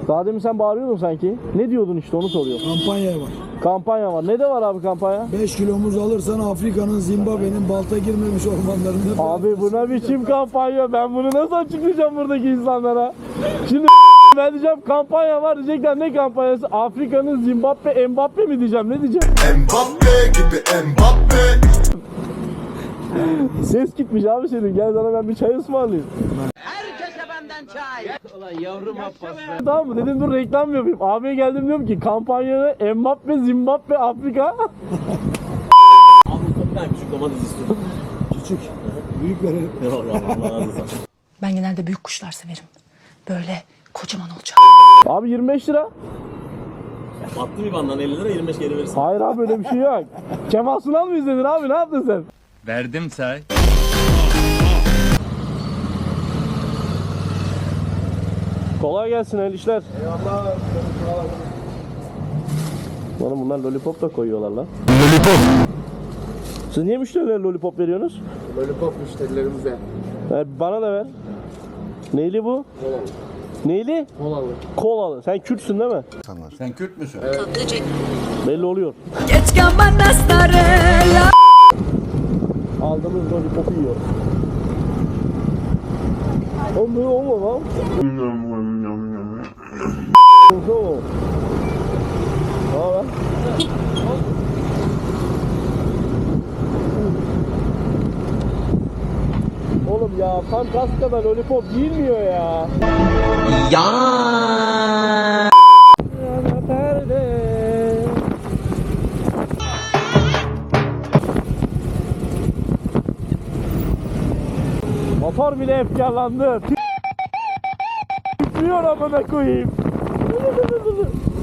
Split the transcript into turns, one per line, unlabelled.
Daha demin sen bağırıyordun sanki. Ne diyordun işte onu soruyorum.
Kampanya var.
Kampanya var. Ne de var abi kampanya?
5 kilomuz alırsan Afrika'nın, Zimbabwe'nin balta girmemiş ormanlarında...
Abi buna biçim kampanya. Ben bunu nasıl açıklayacağım buradaki insanlara? Şimdi ben diyeceğim kampanya var, diyecekler ne kampanyası? Afrika'nın Zimbabwe Mbappe mi diyeceğim, ne diyeceğim?
Mbappe gibi Mbappe.
Ses gitmiş abi senin, gel sana ben bir çay ısmarlayayım.
Herkese benden çay. Ulan yavrum Abbas be.
Tamam mı dedim, dur reklam yapayım. Abiye geldim diyorum ki kampanyada Mbappe Zimbabwe Afrika.
Abi bir tane küçük domates istiyorum.
Küçük. Büyük verelim.
Allah razı olsun.
Ben genelde büyük kuşlar severim. Böyle kocaman olacak.
Abi 25 lira.
Attı bir bandan 50 lira 25 geri verirsin.
Hayır abi öyle bir şey yok. Kemal Sunal mı izledin abi, ne yaptın sen?
Verdim say.
Kolay gelsin el işler. Eyvallah. Bana bunlar lollipop da koyuyorlar lan. Lollipop. Siz niye müşterilere lollipop veriyorsunuz?
Lollipop müşterilerimize.
Bana da ver. Neyli bu?
Kolalı.
Neyli?
Kolalı.
Kolalı. Sen Kürtsün değil mi?
Sen Kürt müsün?
Belli oluyor. Aldığımız lollipopu yiyor. Oğlum böyle olma lan. Olsa ne haber? Oğlum ya tam kaskada lollipop giyilmiyor ya. Motor bile efkarlandı. Titriyor amına koyayım.